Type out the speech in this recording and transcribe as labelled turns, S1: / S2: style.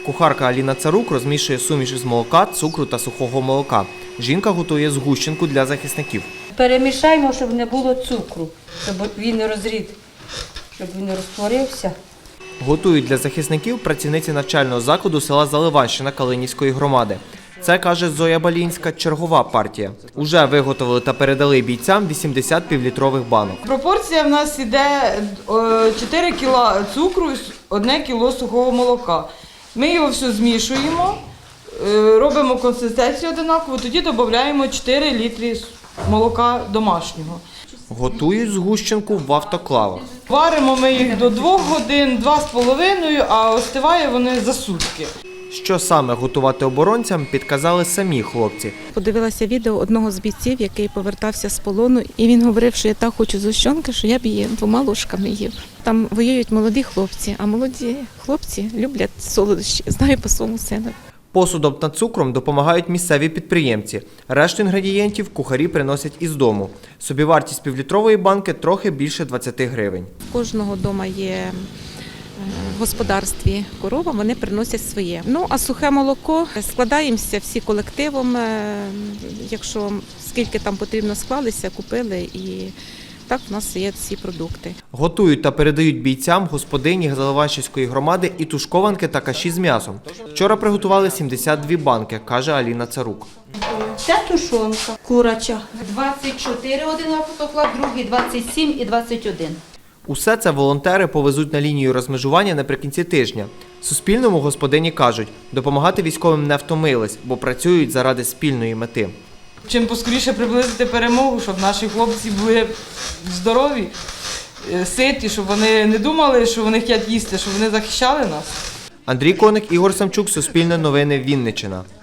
S1: Кухарка Аліна Царук розмішує суміш із молока, цукру та сухого молока. Жінка готує згущенку для захисників.
S2: Перемішаємо, щоб не було цукру, щоб він не розтворився.
S1: Готують для захисників працівниці навчального закладу села Заливанщина Калинівської громади. Це, каже Зоя Балінська, чергова партія. Уже виготовили та передали бійцям 80 півлітрових банок.
S3: Пропорція в нас йде 4 кг цукру і 1 кг сухого молока. Ми його все змішуємо, робимо консистенцію однакову, тоді додаємо 4 літри молока домашнього.
S1: Готують згущенку в автоклавах.
S3: Варимо ми їх до 2 годин, 2,5, а остиває вони за сутки.
S1: Що саме готувати оборонцям, підказали самі хлопці.
S4: Подивилася відео одного з бійців, який повертався з полону, і він говорив, що я так хочу згущенки, що я б її 2 ложками їв. Там воюють молоді хлопці, а молоді хлопці люблять солодощі, знаю по своєму сину.
S1: Посудом та цукром допомагають місцеві підприємці. Решту інгредієнтів кухарі приносять із дому. Собівартість півлітрової банки трохи більше 20 гривень.
S4: В кожного вдома є в господарстві корова, вони приносять своє. Ну, а сухе молоко складаємося всі колективом, якщо скільки там потрібно склалися, купили і так в нас є ці продукти.
S1: Готують та передають бійцям господині Заливанщинської громади і тушкованки та каші з м'ясом. Вчора приготували 72 банки, каже Аліна Царук.
S2: Це тушонка куряча.
S5: 24 один автоклав, другий 27 і 21.
S1: Усе це волонтери повезуть на лінію розмежування наприкінці тижня. Суспільному господині кажуть, допомагати військовим не втомились, бо працюють заради спільної мети.
S3: Чим поскоріше приблизити перемогу, щоб наші хлопці були здорові, ситі, щоб вони не думали, що вони хочуть їсти, щоб вони захищали нас.
S1: Андрій Коник, Ігор Самчук, Суспільне новини, Вінниччина.